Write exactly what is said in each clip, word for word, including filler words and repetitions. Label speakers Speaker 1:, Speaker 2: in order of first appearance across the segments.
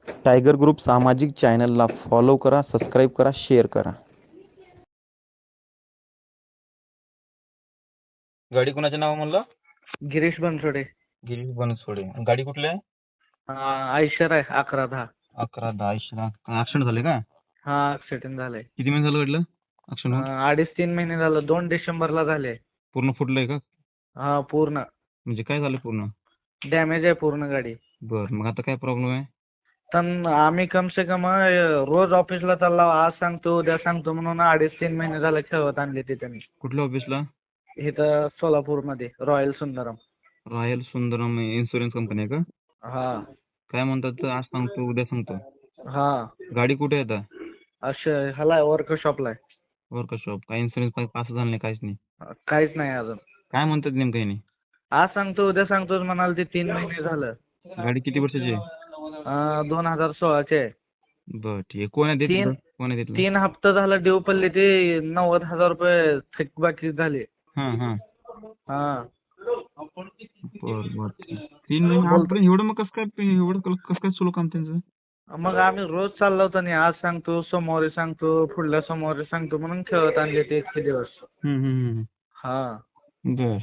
Speaker 1: Tiger group सामाजिक चॅनलला follow करा, सबस्क्राईब करा, शेअर करा.
Speaker 2: गाडी कोणाच्या नाव म्हणलं?
Speaker 3: गिरीश बनसोडे.
Speaker 2: गिरीश बनसोडे. गाडी कुठली आहे?
Speaker 3: आयशर आहे अकरा दहा.
Speaker 2: अकरा दहा ऍक्सिडेंट झाले का?
Speaker 3: हा ऍक्सिडेंट झालाय.
Speaker 2: किती महिने झालं घडलं ऍक्सिडेंट?
Speaker 3: अं, अडीच तीन महिने झालं. दोन डिसेंबरला झाले.
Speaker 2: पूर्ण फुटलंय का?
Speaker 3: हा पूर्ण
Speaker 2: म्हणजे काय झालं पूर्ण?
Speaker 3: डॅमेज आहे पूर्ण गाडी.
Speaker 2: बर, मग आता काय प्रॉब्लेम आहे?
Speaker 3: तर आम्ही कम से कम अं, रोज ऑफिसला चालला, आज सांगतो उद्या सांगतो म्हणून अडीच तीन महिने झाले खेळत आणले तिथे मी.
Speaker 2: कुठल्या ऑफिसला?
Speaker 3: इथं सोलापूरमध्ये royal Sundaram.
Speaker 2: Royal Sundaram insurance company आहे का?
Speaker 3: हा
Speaker 2: काय म्हणतात, आज सांगतो उद्या सांगतो?
Speaker 3: हा
Speaker 2: गाडी कुठे आहे आता?
Speaker 3: असं ह्याला वर्कशॉपला आहे.
Speaker 2: वर्कशॉप. काय इन्शुरन्स पास झाला नाही, काहीच नाही?
Speaker 3: अं, काहीच नाही अजून.
Speaker 2: काय म्हणतात नेमकं यांनी?
Speaker 3: आज सांगतो उद्या सांगतो म्हणाल ते तीन महिने झालं.
Speaker 2: गाडी किती वर्षाची आहे?
Speaker 3: अं, दोन हजार सोळाचे आहे.
Speaker 2: बर, ठीक आहे. कोण आहे देत?
Speaker 3: तीन
Speaker 2: कोण आहे देत?
Speaker 3: तीन हप्ता झाला ड्यू पडले, ते नव्वद हजार रुपये थकबाकी झाले.
Speaker 2: हा हा
Speaker 3: हा
Speaker 2: बर बर ठीक. तीन महिने आजपर्यंत एवढं, मग कसं काय एवढं कसं काय सुरू काम त्यांचं?
Speaker 3: मग आम्ही रोज चाललो होतो नाही, आज सांगतो सोमवारी सांगतो पुढल्या सोमवारी सांगतो म्हणून खेळत आणले ते इतके दिवस.
Speaker 2: हम्म हम्म हम्म.
Speaker 3: हा
Speaker 2: बर,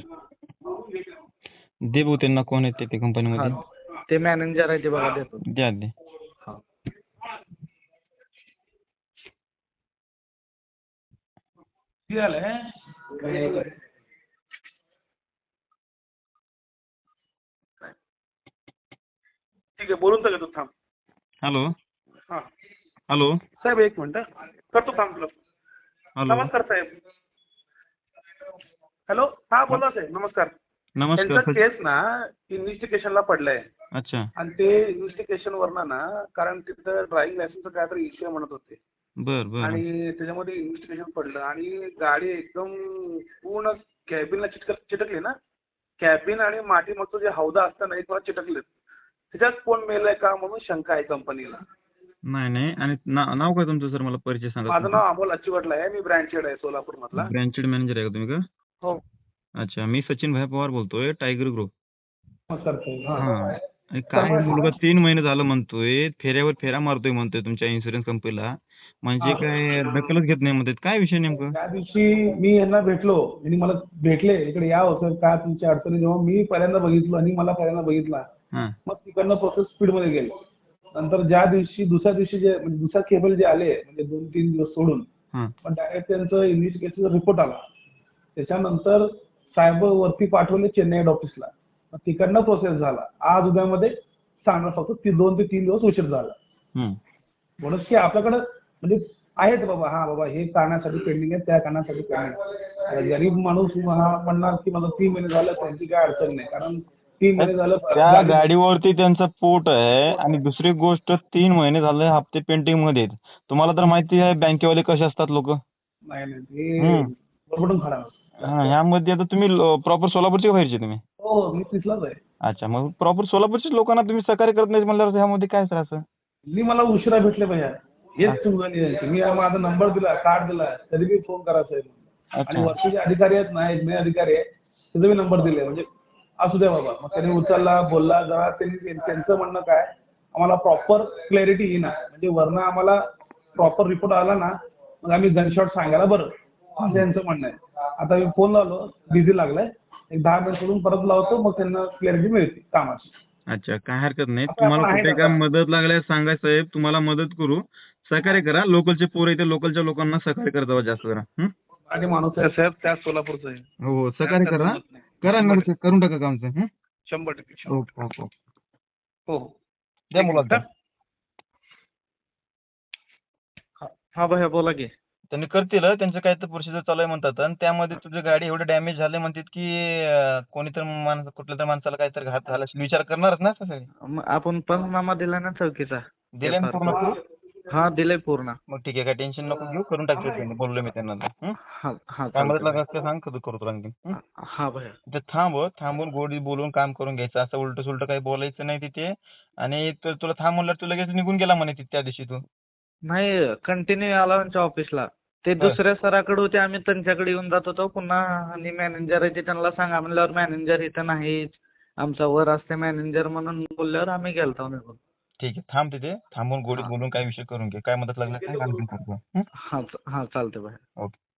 Speaker 2: दे भाऊ त्यांना, कोण आहेत ते
Speaker 3: हा
Speaker 2: कंपनीमध्ये?
Speaker 3: ते मॅनेजर आहे ते बघा, देतो.
Speaker 2: द्या दे.
Speaker 3: हा
Speaker 4: ठीक आहे, बोलून तर घेतो, थांब.
Speaker 2: हॅलो
Speaker 4: हां
Speaker 2: हॅलो
Speaker 4: साहेब, एक मिनिट हं. करतो, थांब तुला.
Speaker 2: हॅलो.
Speaker 4: नमस्कार साहेब. हॅलो, हां बोला साहेब, नमस्कार.
Speaker 2: नमस्कार
Speaker 4: त्यांचा
Speaker 2: सर.
Speaker 4: केस ना इन्व्हेस्टिगेशनला पडलाय
Speaker 2: अच्छा.
Speaker 4: आणि ते इन्व्हेस्टिगेशन वरनं ना, कारण तिथं ड्रायव्हिंग लायसन्सचं काहीतरी इश्यू म्हणत होते
Speaker 2: बर बर
Speaker 4: आणि त्याच्यामध्ये इन्व्हेस्टिगेशन पडलं आणि गाडी एकदम पूर्ण कॅबिनला चिटक चिटकली ना. कॅबिन आणि मागचं जे हौदा असतं ना, हे थोडं चिटकले. त्याच्यात कोण मेलंय का म्हणून शंका आहे कंपनीला.
Speaker 2: नाही नाही. आणि ना- नाव काय तुमचं सर? मला परिचय सांगा.
Speaker 4: माझं नाव अमोल अच्चीवटला आहे. मी ब्रँचेड आहे सोलापूर मधला.
Speaker 2: ब्रँचेड मॅनेजर आहे का तुम्ही? का?
Speaker 4: हो.
Speaker 2: अच्छा, मी सचिन भाई पवार बोलतोय, टायगर ग्रुप.
Speaker 4: नमस्कार साहेब. हां.
Speaker 2: हा. आणि काय मुलगा तीन महिने झालं म्हणतोय, फेऱ्यावर फेरा मारतोय म्हणतोय तुमच्या इन्शुरन्स कंपनीला, म्हणजे काय दखलच घेत नाही म्हणतात. काय विषय नेमकं?
Speaker 4: त्या दिवशी मी यांना भेटलो आणि मला भेटले, इकडे या होतं काय तुमच्या अडचणी, जेव्हा मी पहिल्यांदा बघितलं आणि मला पहिल्यांदा बघितला,
Speaker 2: हा
Speaker 4: मग तिकडनं प्रोसेस स्पीडमध्ये गेली. नंतर ज्या दिवशी दुसऱ्या दिवशी जे म्हणजे दुसरा केबल जे आले, म्हणजे दोन तीन दिवस सोडून,
Speaker 2: हा
Speaker 4: पण डायरेक्ट त्यांचं इन्व्हेस्टिगेशनचा रिपोर्ट आला. त्याच्यानंतर साहेब वरती पाठवले चेन्नई हेड ऑफिसला. मग तिकडनं प्रोसेस झाला. आज उद्यामध्ये सांगणार, फक्त ती दोन ते तीन दिवस उशीर झाला.
Speaker 2: हम्म.
Speaker 4: म्हणून की आपल्याकडं म्हणजे आहेत बाबा, हा बाबा हे कारणासाठी पेंडिंग आहे, त्या कारणासाठी पेंडिंग आहे. गरीब माणूस हा म्हणणार की मला तीन महिने झालं, त्यांची काय अडचण नाही, कारण तीन महिने झालं
Speaker 2: त्या
Speaker 4: गाडी-
Speaker 2: गाडीवरती त्यांचं पोट आहे. आणि दुसरी गोष्ट, तीन महिने झाले हप्ते पेंटिंग मध्ये आहेत. तुम्हाला तर माहिती आहे बँकेवाले कसे असतात लोक.
Speaker 4: नाही नाही ते बरोबरून खरा.
Speaker 2: ह्यामध्ये आता तुम्ही प्रॉपर सोलापूरचे बाहेरचे तुम्ही?
Speaker 4: हो, मी तिथलाच आहे.
Speaker 2: अच्छा, मग प्रॉपर सोलापूरच्या लोकांना तुम्ही सहकार्य करत नाही म्हणल्यावर ह्यामध्ये काय सर असं?
Speaker 4: मी मला उशिरा भेटले भैया, हेच चुकलं यायचं. मी माझा नंबर दिला, कार्ड दिला, तरी मी फोन करा साहेब. आणि वरचे जे अधिकारी आहेत ना, एक मे अधिकारी आहे, त्याचा मी नंबर दिले, म्हणजे असू द्या बाबा. मग त्यांनी उचलला, बोलला. जरा त्यांनी त्यांचं म्हणणं काय, आम्हाला प्रॉपर क्लॅरिटी येईना, म्हणजे वरनं आम्हाला प्रॉपर रिपोर्ट आला ना, मग आम्ही गनशॉट सांगायला बरं, असं यांचं म्हणणं आहे. आता मी फोन लावलो, बिझी लागलाय, एक दहा मिनिट सोडून परत लावतो, मग त्यांना क्लॅरिटी मिळते कामाची.
Speaker 2: अच्छा, काय हरकत नाही.
Speaker 4: आता
Speaker 2: तुम्हाला
Speaker 4: आपण आहे
Speaker 2: कुठे
Speaker 4: का?
Speaker 2: काय मदत लागल्यास सांगा साहेब, तुम्हाला मदत करू. सहकार्य करा. लोकलचे पोरं इथे, लोकलच्या लोकांना सहकार्य करत जावा जास्त करा. हं?
Speaker 4: आणि माणूस आहे साहेब, त्याच सोलापूरचा आहे.
Speaker 2: हो हो, सहकार्य करा. करा ना, करून टाका कामचं. हं?
Speaker 4: शंभर टक्के शंभर
Speaker 2: ओके ओके ओके.
Speaker 4: टक्के. हो हो.
Speaker 2: द्या मुलाला.
Speaker 3: हा भैया बोला की.
Speaker 2: त्यांनी करतील, त्यांचं काय तर प्रोसिजर चालू आहे म्हणतात. आणि त्यामध्ये तुझी गाडी एवढे डॅमेज झाले म्हणतात की अं, कोणीतरी माणसं, कुठल्या तरी माणसाला काहीतरी घात झाला असेल, विचार करणारच ना सगळे.
Speaker 3: मग आपण पंचनामा दिला ना चौकीचा.
Speaker 2: दिले ना पूर्ण करून?
Speaker 3: हा दिलंय पूर्ण.
Speaker 2: मग ठीक आहे, काय टेन्शन नको घेऊ, करून टाकतो त्यांनी. बोललो मी त्यांना. हं?
Speaker 3: हा हा
Speaker 2: काय मदत
Speaker 3: चालतंय.
Speaker 2: लागत असते सांग, कधी करू तुला आणखी. हं?
Speaker 3: हा भैया.
Speaker 2: तिथे थांब, थांबून गोडी बोलून काम करून घ्यायचं. असं उलट सुलट काही बोलायचं नाही तिथे. आणि तु- तुला थांब म्हणलं, तू लगेच निघून गेला म्हणे तिथे त्या दिवशी तू.
Speaker 3: नाही, कंटिन्यू आला आमच्या ऑफिसला. ते दुसऱ्या सराकडे होते, आम्ही त्यांच्याकडे येऊन जात होतो. पुन्हा आणि मॅनेजर आहे ते, त्यांना सांगा म्हणल्यावर मॅनेजर इथं नाहीच, आमचा वर असते मॅनेजर म्हणून बोलल्यावर आम्ही गेलतो निघून.
Speaker 2: ठीक आहे. थांब तिथे. थांबून गोडीत
Speaker 3: हा.
Speaker 2: बोलून काही विषय करून घे. काय मदत लागली सांग आणखीन करतो. हं?
Speaker 3: हा हा चालतंय भैया.
Speaker 2: ओके.